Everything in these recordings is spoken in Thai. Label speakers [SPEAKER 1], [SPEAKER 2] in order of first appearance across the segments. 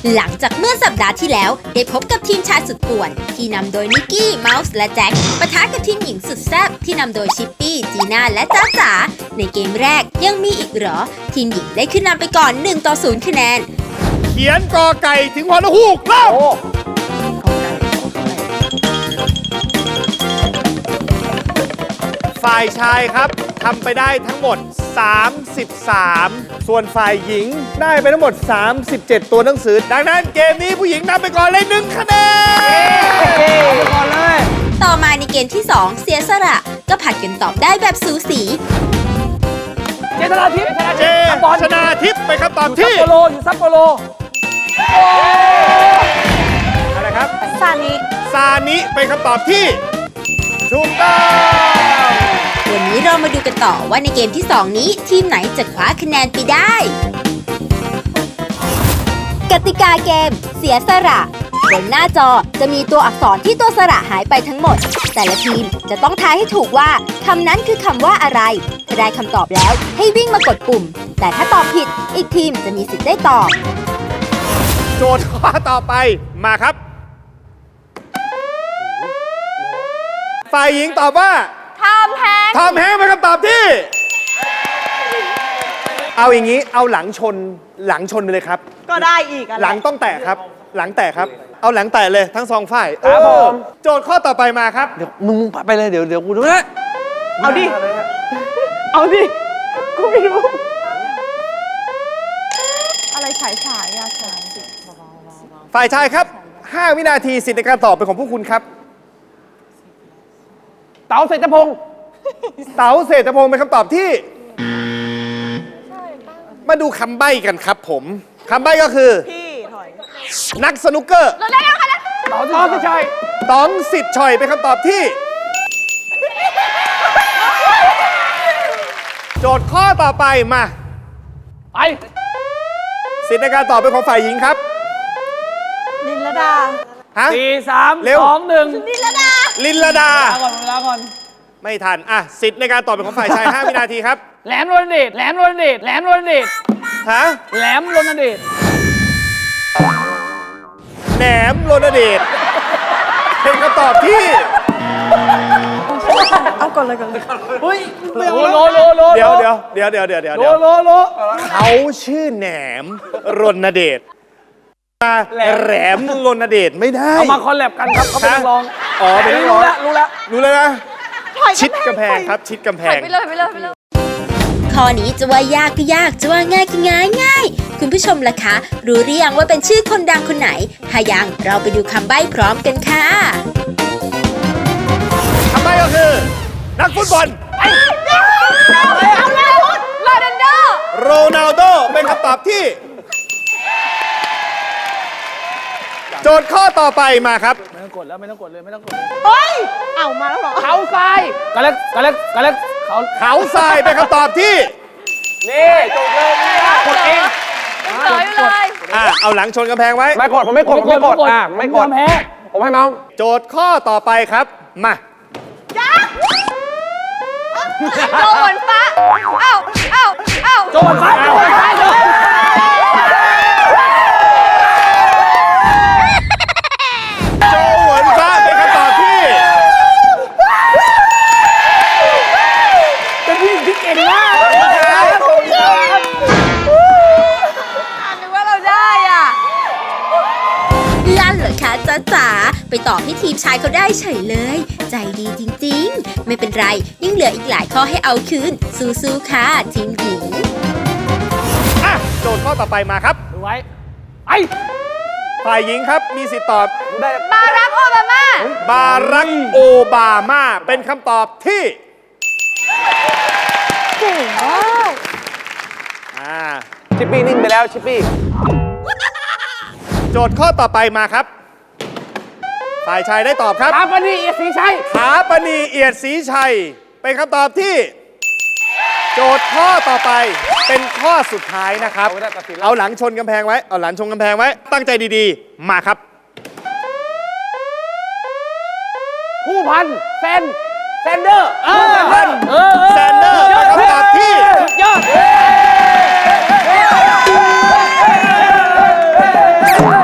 [SPEAKER 1] หลังจากเมื่อสัปดาห์ที่แล้วได้พบกับทีมชายสุดป่วนที่นำโดยนิกกี้ เมาส์และแจ็คปะทะกับทีมหญิงสุดแซ่บที่นำโดยชิปปี้ จีน่าและจ๊ะจ๋าในเกมแรกยังมีอีกเหรอทีมหญิงได้ขึ้นนำไปก่อน1-0คะแนน
[SPEAKER 2] เขียนกอไก่ถึงฮอนูกเริ่มฝ่ายชายครับทำไปได้ทั้งหมด33ส่วนฝ่ายหญิงได้ไปทั้งหมด37ตัวหนังสือดังนั้นเกมนี้ผู้หญิงนำไปก่อนเลย1คะแนนเอาไปก่อนเลย
[SPEAKER 1] ต่อมาในเกมที่2เสียสละก็ผัดกันตอบได้แบบสูสี
[SPEAKER 2] เจชนาทิพย์ชนาทิพย์ไปคำตอบที่
[SPEAKER 3] อยู่ซัปโปโร
[SPEAKER 2] อะไรครับ
[SPEAKER 4] ซานิ
[SPEAKER 2] เป็นคำตอบที่ถูกต้อง
[SPEAKER 1] วันนี้เรามาดูกันต่อว่าในเกมที่2นี้ทีมไหนจะคว้าคะแนนไปได้กติกาเกมเสียสละบนหน้าจอจะมีตัวอักษรที่ตัวสระหายไปทั้งหมดแต่ละทีมจะต้องทายให้ถูกว่าคำนั้นคือคำว่าอะไรถ้าได้คำตอบแล้วให้วิ่งมากดปุ่มแต่ถ้าตอบผิดอีกทีมจะมีสิทธิ์ได้ตอบ
[SPEAKER 2] โจทย์ข้อต่อไปมาครับฝ่ายหญิงตอบว่า
[SPEAKER 4] ทำแฮง
[SPEAKER 2] เป็นคำตอบที่เอาอย่างนี้เอาหลังชนไปเลยครับ
[SPEAKER 4] ก็ได้อีก
[SPEAKER 2] หลังต้องแตะครับหลังแตะครับเอาหลังแตะเลยทั้งสองฝ่ายโจทย์ข้อต่อไปมาครับ
[SPEAKER 3] เดี๋ยวมึงไปเลยเดี๋ยวกูดูนะ
[SPEAKER 4] เอาดิกูไม่รู้อะไรฉายอะ
[SPEAKER 2] ฝ่ายชายครับ5 วินาทีสิทธิ์ในการตอบเป็นของพวกคุณครับ
[SPEAKER 3] เต๋าเศรษฐพงศ์
[SPEAKER 2] เป็นคำตอบที่มาดูคำใบ้กันครับผมคำใบ้ก็คือ
[SPEAKER 4] พี่ถอย
[SPEAKER 2] นักสนุกเกอร์
[SPEAKER 3] ต๋องสิทธิ์
[SPEAKER 2] ชัยเป็นคำตอบที่โจทย์ข้อต่อไปมา
[SPEAKER 3] ไป
[SPEAKER 2] สิทธิ์ในการตอบเป็นของฝ่ายหญิงครับ
[SPEAKER 4] ลินลดา
[SPEAKER 3] 4 3 2 1
[SPEAKER 2] ลินลดา
[SPEAKER 3] ก่อน
[SPEAKER 2] ไม่ทันสิทธิ์ในการตอบเป็นของฝ่ายชาย5 วินาทีครับ
[SPEAKER 3] แหลมรณเดชฮะแหลมรณเดช
[SPEAKER 2] แหนมรณเดชเป็นคำตอบที่
[SPEAKER 4] เอาก่อนเลย
[SPEAKER 3] เฮ้ย
[SPEAKER 2] เดี๋ยวเขาชื่อแหนมรณเดชแหลมรณเดชไม่ได้
[SPEAKER 3] เอามาคอลแลบกันครับเขาเป็นนักร้อง
[SPEAKER 2] เป็นนักร้องรู้เลยนะชิดกำแพงครับชิดกำแพง
[SPEAKER 4] ไปเลย
[SPEAKER 1] ข้อนี้จะว่ายากก็ยากจะว่าง่ายก็ง่ายคุณผู้ชมล่ะคะรู้หรือยังว่าเป็นชื่อคนดังคนไหนถ้ายังเราไปดูคำใบ้พร้อมกันค่ะ
[SPEAKER 2] คำใบ้ก็คือนักฟุตบอลโรนัลโดเป็นคำตอบที่โจทย์ข้อต่อไปมาครับ
[SPEAKER 3] ไม่ต้องกดเลย
[SPEAKER 4] เฮ้ยเอามาแล้วเหรอ
[SPEAKER 3] เขาทรายกะเล็ก
[SPEAKER 2] เขาทรายเป็นคำตอบที่
[SPEAKER 3] นี่จบเลย
[SPEAKER 4] กดเองเลย
[SPEAKER 2] เอาหลังชนกำแพงไว้
[SPEAKER 3] ไม่กดผมไม่กดไม่กดผมให้เมาส์
[SPEAKER 2] โจทย์ข้อต่อไปครับมา
[SPEAKER 4] โจนฟ้า
[SPEAKER 3] โจนฟ้า
[SPEAKER 2] เป็นคำตอบที่
[SPEAKER 3] เป็นผู้หญิงที่เก่งมาก
[SPEAKER 4] นึกว่าเราได้
[SPEAKER 1] ลั่นเหรอคะจ๊ะจ๋าไปตอบให้ทีมชายเขาได้เฉยเลยใจดีจริงๆไม่เป็นไรยังเหลืออีกหลายข้อให้เอาคืนสู้ๆค่ะทีมหญิง
[SPEAKER 2] โจทย์ข้อต่อไปมาครับ
[SPEAKER 3] ดูไว้
[SPEAKER 2] ฝ่ายหญิงครับมีสิทธิ์ตอบบ
[SPEAKER 4] ารักโอบา
[SPEAKER 2] มาเป็นคำตอบที่
[SPEAKER 4] เก่งมาก
[SPEAKER 3] ชิปปี้นิ่งไปแล้วชิปปี้
[SPEAKER 2] โจทย์ข้อต่อไปมาครับฝ่ายชายได้ตอบครับ
[SPEAKER 3] ถาปณีเอียดศรีชั
[SPEAKER 2] ยเป็นคำตอบที่โจทย์ข้อต่อไปเป็นข้อสุดท้ายนะครับเอาหลังชนกำแพงไว้ตั้งใจดีๆมาครับ
[SPEAKER 3] ผู้พันแซนเดอร์
[SPEAKER 2] เป็นคำตอบที่
[SPEAKER 3] ยอด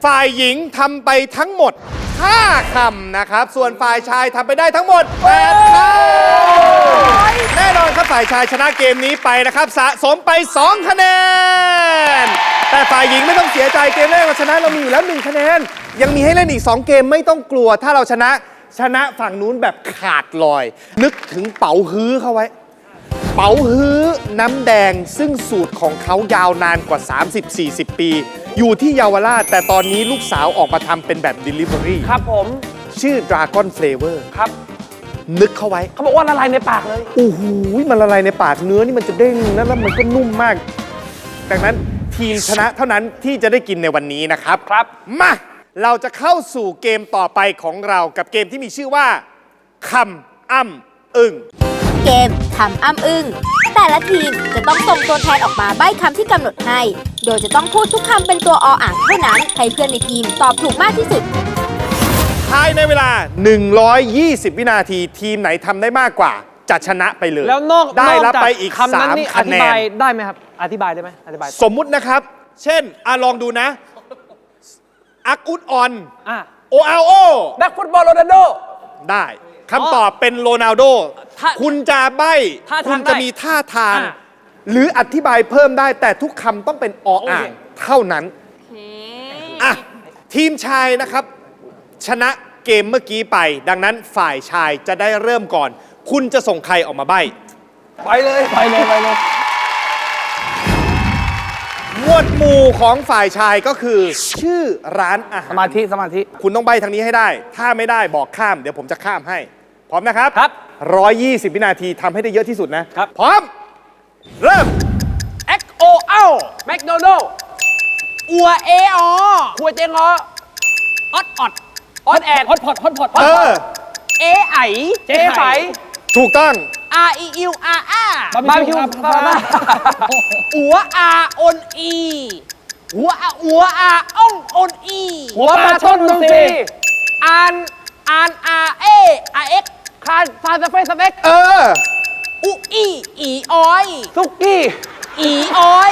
[SPEAKER 2] ฝ่ายหญิงทำไปทั้งหมด 5 คำนะครับ ส่วนฝ่ายชายทำไปได้ทั้งหมด 8 คำ แน่นอนครับฝ่ายชายชนะเกมนี้ไปนะครับ สะสมไป 2 คะแนน แต่ฝ่ายหญิงไม่ต้องเสียใจเกมแรกเราชนะเรามีอยู่แล้ว 1 คะแนน ยังมีให้เล่นอีก 2 เกมไม่ต้องกลัว ถ้าเราชนะฝั่งนู้นแบบขาดลอย นึกถึงเป๋าฮื้อเข้าไว้ เป๋าฮื้อน้ำแดงซึ่งสูตรของเขายาวนานกว่า 30-40 ปี อยู่ที่เยาวราช แต่ตอนนี้ลูกสาวออกมาทำเป็นแบบ Delivery
[SPEAKER 3] ครับผม
[SPEAKER 2] ชื่อ Dragon Flavor
[SPEAKER 3] ครับ
[SPEAKER 2] นึกเข้าไว้
[SPEAKER 3] เขาบอกว่าละลายในปากเลย
[SPEAKER 2] โอ้โหมันละลายในปากเนื้อนี่มันจะเด้งแล้วมันก็นุ่มมาก ดังนั้นทีมชนะเท่านั้นที่จะได้กินในวันนี้นะครับ
[SPEAKER 3] ครับ
[SPEAKER 2] มาเราจะเข้าสู่เกมต่อไปของเรากับเกมที่มีชื่อว่าคำอ้ำอึ้ง
[SPEAKER 1] เกมคำอ้ำอึ้งแต่ละทีมจะต้องส่งตัวแทนออกมาใบ้คำที่กำหนดให้ โดยจะต้องพูดทุกคำเป็นตัวออ่างเท่านั้นให้เพื่อนในทีมตอบถูกมากที่สุด
[SPEAKER 2] ภายในเวลา 120 วินาทีทีมไหนทำได้มากกว่าจะชนะไปเลย
[SPEAKER 3] แล้วนอก
[SPEAKER 2] ได้รับ
[SPEAKER 3] จาก
[SPEAKER 2] ไปอีก
[SPEAKER 3] คำนั้นนี่
[SPEAKER 2] 3
[SPEAKER 3] อ
[SPEAKER 2] คะ
[SPEAKER 3] ธิ
[SPEAKER 2] แน
[SPEAKER 3] บาน ยได้ไหมครับ อธิบายได้ไหมอธิบาย
[SPEAKER 2] สมมุตินะครับ เช่นลองดูนะ อักอุดออน
[SPEAKER 3] อ่ะ
[SPEAKER 2] โออาโอ
[SPEAKER 3] นักฟุตบอลโรนัลโด
[SPEAKER 2] ได้คำตอบเป็นโรนัลโด
[SPEAKER 3] ถ้า
[SPEAKER 2] คุณจะใบ้
[SPEAKER 3] ท่าทาง
[SPEAKER 2] คุณจะมีท่าทาง
[SPEAKER 3] อ่ะ
[SPEAKER 2] หรืออธิบายเพิ่มได้แต่ทุกคำต้องเป็นออ่าง
[SPEAKER 3] โอเค
[SPEAKER 2] เท่านั้นอ่ะทีมชายนะครับ ชนะเกมเมื่อกี้ไป ดังนั้นฝ่ายชายจะได้เริ่มก่อน คุณจะส่งใครออกมาใบ้
[SPEAKER 3] ไปเลยไปเลยไปเลย
[SPEAKER 2] หมวดหมู่ของฝ่ายชายก็คือ ชื่อร้านอาหาร
[SPEAKER 3] สมาธิสมาธิ
[SPEAKER 2] คุณต้องใบ้ทางนี้ให้ได้ ถ้าไม่ได้บอกข้าม เดี๋ยวผมจะข้ามให้ พร้อมนะครับ
[SPEAKER 3] ครับ
[SPEAKER 2] 120 วินาทีทำให้ได้เยอะที่สุดนะครับ พร้อม เริ่ม
[SPEAKER 3] XOL แมคโดนัลด์อัวเออครัวเจงออดออดออดแอดฮอตพอตฮอตพอต
[SPEAKER 2] เออ
[SPEAKER 3] เอไอเจไฝ
[SPEAKER 2] ถูกต้อง
[SPEAKER 3] R E U R R บาร์บีคิวอัวอาออนอีหัวอาอ่องออนอีหัวปลาช่อนนนทรีอ่านอาเออาเอ็กคานฟาสเฟสเต็ก
[SPEAKER 2] เออ
[SPEAKER 3] อุอีออยซุกี้อีออย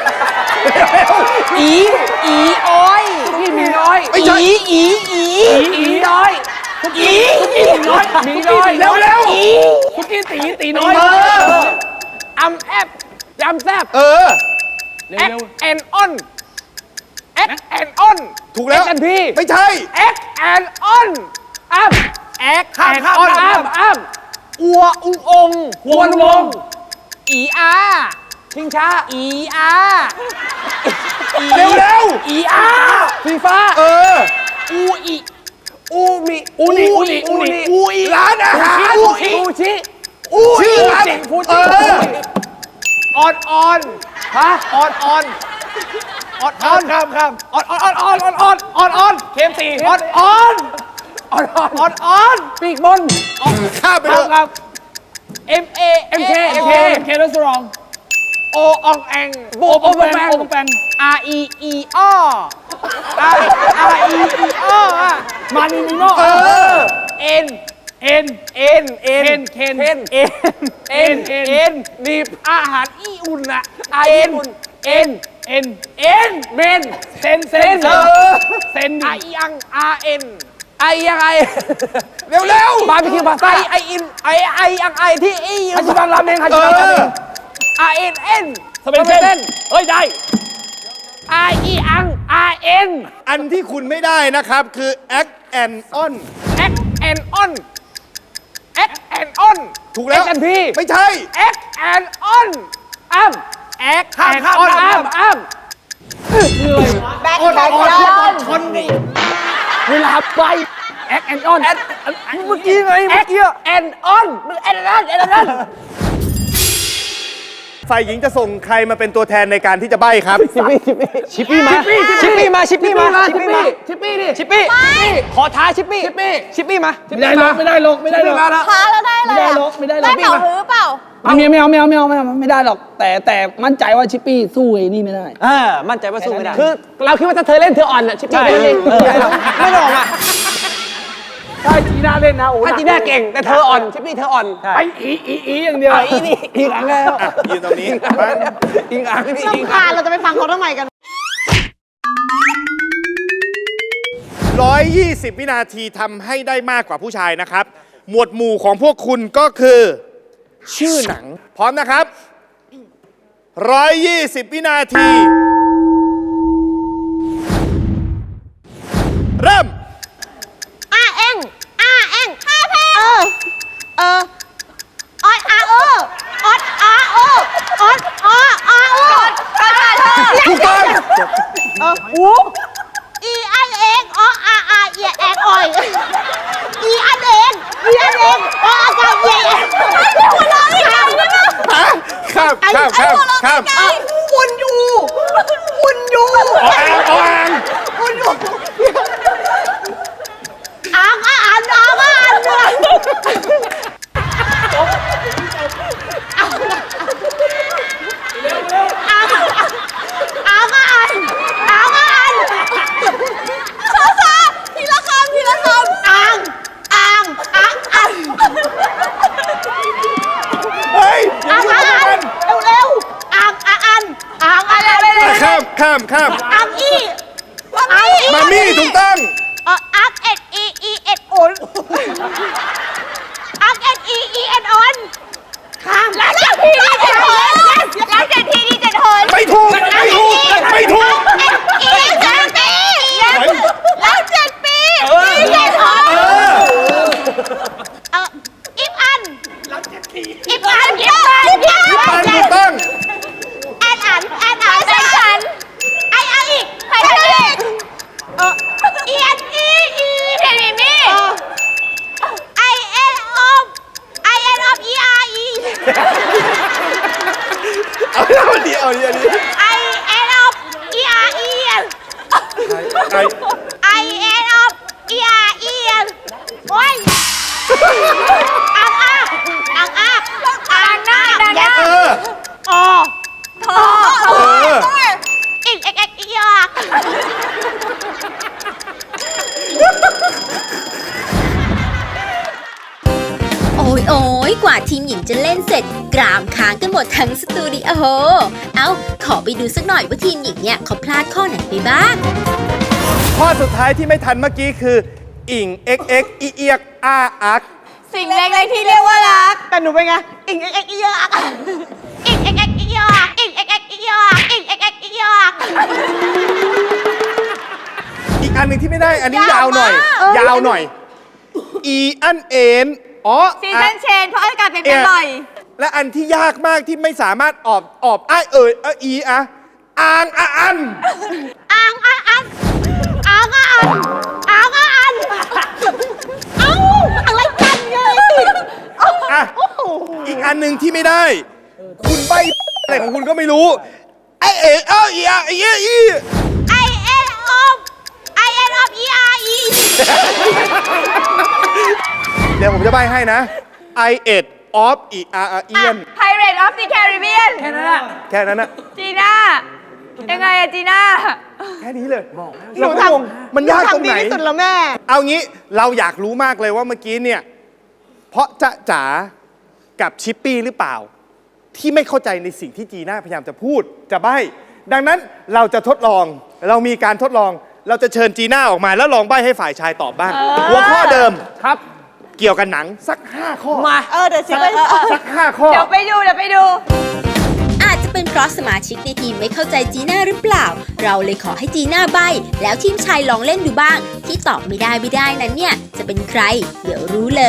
[SPEAKER 3] อีออยซุกี้มีน้อย
[SPEAKER 2] ไม่ใช่
[SPEAKER 3] อีน้อยซุกี้น้อยมีน้อย
[SPEAKER 2] เร็ว
[SPEAKER 3] อีซุกี้ตีน้อย อัมแอปยำแซบ
[SPEAKER 2] เออ
[SPEAKER 3] แอคแอนออนแอคแอนออน
[SPEAKER 2] ถูกแล้ว
[SPEAKER 3] แอคแอนพี
[SPEAKER 2] ไม่ใช่
[SPEAKER 3] แอคแอนออนอัมแอคแอนออนอัมอัวอุงองหวนวงอีอาชิงช้าอีอา
[SPEAKER 2] เร็ว
[SPEAKER 3] อีอาฟีฟ้า
[SPEAKER 2] เออ
[SPEAKER 3] อูอีอูมิอูนิอูอี
[SPEAKER 2] ร้านอาหาร
[SPEAKER 3] อูชิ
[SPEAKER 2] ชื่อร้าน
[SPEAKER 3] ฟู
[SPEAKER 2] เอ
[SPEAKER 3] จิ
[SPEAKER 2] อ
[SPEAKER 3] ออนฮะออนข้ามออนเค็มตีออนปีกบน
[SPEAKER 2] ข้ามไปเลย
[SPEAKER 3] ครับ MK รสรองโออองแองโบโอแปง R E E O R E E O มานีมิโน N นีบอาหารอีอุ่นอะญี่ปุ่น N เมนเซนไอยัง R N ไอยังไง
[SPEAKER 2] เร็ว
[SPEAKER 3] บาร์บีคิวพาสต้าไอยังไอที่อีฮัจิบังราเมงฮัจิบังราเมง R N N สเปนเส้นเฮ้ยได้ R E อัง R N
[SPEAKER 2] อันที่คุณไม่ได้นะครับคือ act and on
[SPEAKER 3] X and on X and on
[SPEAKER 2] ถูกแล้ว
[SPEAKER 3] X and P
[SPEAKER 2] ไม่ใช่
[SPEAKER 3] X and on อ้ำ X and on อ้ำ
[SPEAKER 4] แบทแบทยอน
[SPEAKER 3] ชนนี่เวลาไป X and on เมื่อกี้ไง X and on มึง and on
[SPEAKER 2] ฝ่ายหญิงจะส่งใครมาเป็นตัวแทนในการที่จะใบ้ครับ
[SPEAKER 3] ชิปปี้มาขอท้าชิปปี้มาไม่ได้ลง
[SPEAKER 4] ท้าแล้วได้เลยได้เป่าหือเปล่า
[SPEAKER 5] ไม่ได้หรอก แต่มั่นใจว่าชิปปี้สู้ไอ้นี่ไม่ได้
[SPEAKER 3] มั่นใจว่าสู้ไม่ได้คือเราคิดว่าถ้าเธอเล่นเธออ่อนอ่ะชิปปี้ไม่เล่นไม่หรอกอ่ะ
[SPEAKER 5] ถ้าจีน่าเล่นนะโอ้
[SPEAKER 3] ถ้าจีน่าเก่งแต่เธออ่อนชิปปี้เธออ่อน
[SPEAKER 5] ไปอีอย่างเดียว
[SPEAKER 3] อีกอันแล้ว
[SPEAKER 2] ยืนตรงนี้
[SPEAKER 3] อีกอันนี่
[SPEAKER 4] รำคาญเราจะไปฟังเขาทำไมกัน
[SPEAKER 2] 120 วินาทีทำให้ได้มากกว่าผู้ชายนะครับ หมวดหมู่ของพวกคุณก็คือ ชื่อหนัง พร้อมนะครับ 120 วินาที เริ่ม
[SPEAKER 4] เอ็งห้าเพลงออดอาออดอาโอออดอาโอประชาชน
[SPEAKER 2] ถูกต้อง
[SPEAKER 4] อีอันเองออาเอียแองอ่อยอีอันเองอากาเอียแองหัวเราะอีกแล้วนะ
[SPEAKER 2] ข้าม
[SPEAKER 4] คุณอยู่
[SPEAKER 2] ออ่าง
[SPEAKER 4] อ่านทีละคำ
[SPEAKER 2] เฮ้ยอย่า
[SPEAKER 4] อ่าน
[SPEAKER 2] ยุ่งกัน
[SPEAKER 4] เร็วอ่านอะไร
[SPEAKER 2] ข้าม
[SPEAKER 4] อ่านอี
[SPEAKER 2] มามี่ถูกต้อง
[SPEAKER 4] อักเอ็ดอีเอ็ดโอนอักเอ็ดอีเอ็ดออนข้ามแล้ว7 ทีดี7 หนแล้ว7 ทีดี7 หน
[SPEAKER 2] ไม่ถูก
[SPEAKER 4] อี7 ปีแล้ว7 ปีอี7 หนอิฟอันแล้ว7 ทีอิฟอัน
[SPEAKER 2] ถูกต้อง
[SPEAKER 4] แอนใช่ฉันไออีกใครอีกอีเอ็นเพนมี่ไอเอ็นออฟอีอาร์อี
[SPEAKER 2] เอาดี
[SPEAKER 4] ไอเอ็นออฟอีอาร์อีไอเอ็นออฟอีอาร์อีโอ้ยอ่างหน้าอีกอียาก
[SPEAKER 1] โอ้ยกว่าทีมหญิงจะเล่นเสร็จกรามค้างกันหมดทั้งสตูดิโอเอาขอไปดูสักหน่อยว่าทีมหญิงเนี่ยเขาพลาดข้อไหนไปบ้าง
[SPEAKER 2] ข้อสุดท้ายที่ไม่ทันเมื่อกี้คือ อิง XX อีเอียกอาอัก
[SPEAKER 4] สิ่งเล็กๆที่เรียกว่ารักแต่หนูเป็นไงอียากอียาก
[SPEAKER 2] อีกอันหนึ่งที่ไม่ได้ อันนี้ยาวหน่อย อีอันเอ็น
[SPEAKER 4] ซีซันเชนเพราะอากาศเปลี่ยนแปลงบ่อย
[SPEAKER 2] และอันที่ยากมากที่ไม่สามารถออบอ้ายอีอะอ่างอะอัน
[SPEAKER 4] เอ้าอะไรกันเนี่ย
[SPEAKER 2] อ่ะอีกอันหนึ่งที่ไม่ได้ คุณใบอะไรของคุณก็ไม่รู้ไอเอ๋อีอะอี
[SPEAKER 4] I N of E R E
[SPEAKER 2] เดี๋ยวผมจะใบให้นะ I ate of e r e n
[SPEAKER 4] Pirate of the Caribbean
[SPEAKER 3] แค่นั้นแหละ
[SPEAKER 2] แค่นั้นนะ
[SPEAKER 4] จีน่ายังไงอะจีน่า
[SPEAKER 2] แค่นี้เลยเราก็งงมันยากตรงไหน
[SPEAKER 4] ที่สุดแล้วแม่
[SPEAKER 2] เอางี้เราอยากรู้มากเลยว่าเมื่อกี้เนี่ย เพราะจ๊ะจ๋ากับชิปปี้หรือเปล่า ที่ไม่เข้าใจในสิ่งที่จีน่าพยายามจะพูดจะใบ้ดังนั้นเราจะทดลองเรามีการทดลองเราจะเชิญจีน่าออกมาแล้วลองใบ้ให้ฝ่ายชายตอบบ้างหัวข้อเดิม
[SPEAKER 3] ครับ
[SPEAKER 2] เกี่ยวกับหนังสัก 5 ข้อ
[SPEAKER 3] มา
[SPEAKER 4] เดี๋ยวชิค
[SPEAKER 2] สัก 5 ข้อ
[SPEAKER 4] เดี๋ยวไปดู
[SPEAKER 1] อาจจะเป็นเพราะสมาชิกในทีมไม่เข้าใจจีน่าหรือเปล่า เราเลยขอให้จีน่าใบ้แล้วทีมชายลองเล่นดูบ้าง ที่ตอบไม่ได้นั้นเนี่ยจะเป็นใคร เดี๋ยวรู้เลย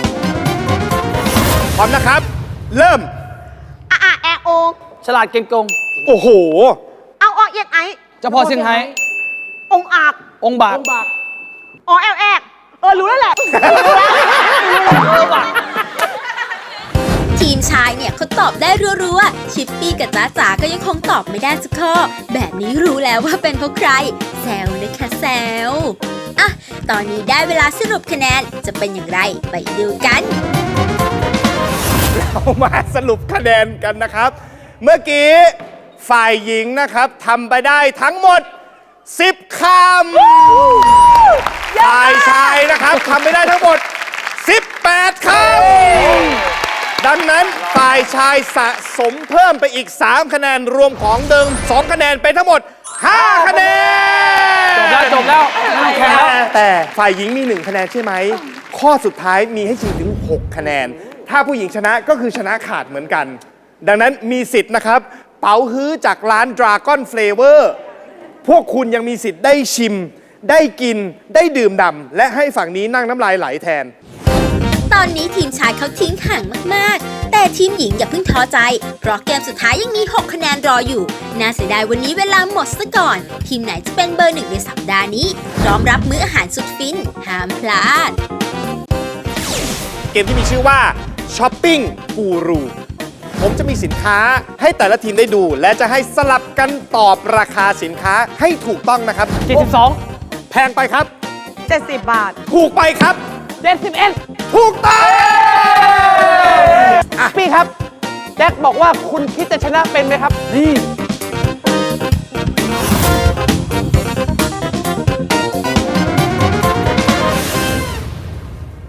[SPEAKER 2] พร้อมนะครับ เริ่ม
[SPEAKER 4] แอโอ
[SPEAKER 3] ฉลาดเก่งกง
[SPEAKER 2] โอ้โห
[SPEAKER 4] เอาอเอียนไอ
[SPEAKER 3] เจ้าพ่อเซี่ยงไฮ้
[SPEAKER 4] องอาบ
[SPEAKER 3] องค์บาก
[SPEAKER 4] อแอลแอกรู้แล้วแหละ
[SPEAKER 1] ทีมชายเนี่ยเขาตอบได้รัวๆ ชิปปี้กับจ๊ะจ๋าก็ยังคงตอบไม่ได้สักข้อ แบบนี้รู้แล้วว่าเป็นเพราะใคร แซวนะคะแซวอ่ะ ตอนนี้ได้เวลาสรุปคะแนนจะเป็นอย่างไรไปดูกัน
[SPEAKER 2] เรามาสรุปคะแนนกันนะครับ เมื่อกี้ฝ่ายหญิงนะครับทำไปได้ทั้งหมด 10 คำฝ่ายชายนะครับทำไปได้ทั้งหมด 18 คำดังนั้นฝ่ายชายสะสมเพิ่มไปอีก 3 คะแนนรวมของเดิม 2 คะแนนเป็นทั้งหมด 5 คะแนน
[SPEAKER 3] จบแล้วไม่ต้องแข่งแล้ว
[SPEAKER 2] แต่ฝ่ายหญิงมี1คะแนนใช่ไหม ข้อสุดท้ายมีให้ชิงถึง6คะแนน ถ้าผู้หญิงชนะก็คือชนะขาดเหมือนกัน ดังนั้นมีสิทธิ์นะครับ เป๋าฮื้อจากร้าน Dragon Flavor พวกคุณยังมีสิทธิ์ได้ชิม ได้กิน ได้ดื่มด่ำและให้ฝั่งนี้นั่งน้ำลายไหลแทน
[SPEAKER 1] ตอนนี้ทีมชายเขาทิ้งห่างมากๆ แต่ทีมหญิงอย่าเพิ่งท้อใจ เพราะเกมสุดท้ายยังมี 6 คะแนนรออยู่ น่าเสียดายวันนี้เวลาหมดซะก่อน ทีมไหนจะเป็นเบอร์1ในสัปดาห์นี้ พร้อมรับมื้ออาหารสุดฟิน ห้ามพลาด
[SPEAKER 2] เกมที่มีชื่อว่าช้อปปิ้งกูรูผมจะมีสินค้าให้แต่ละทีมได้ดู และจะให้สลับกันตอบราคาสินค้าให้ถูกต้องนะครับ
[SPEAKER 3] 72
[SPEAKER 2] แพงไปครับ
[SPEAKER 4] 70 บาท
[SPEAKER 2] ถูกไปครับ
[SPEAKER 3] 71
[SPEAKER 2] ถูกต้อง
[SPEAKER 3] พี่ครับ แจ็คบอกว่าคุณคิดจะชนะเป็นไหมครับ
[SPEAKER 5] นี่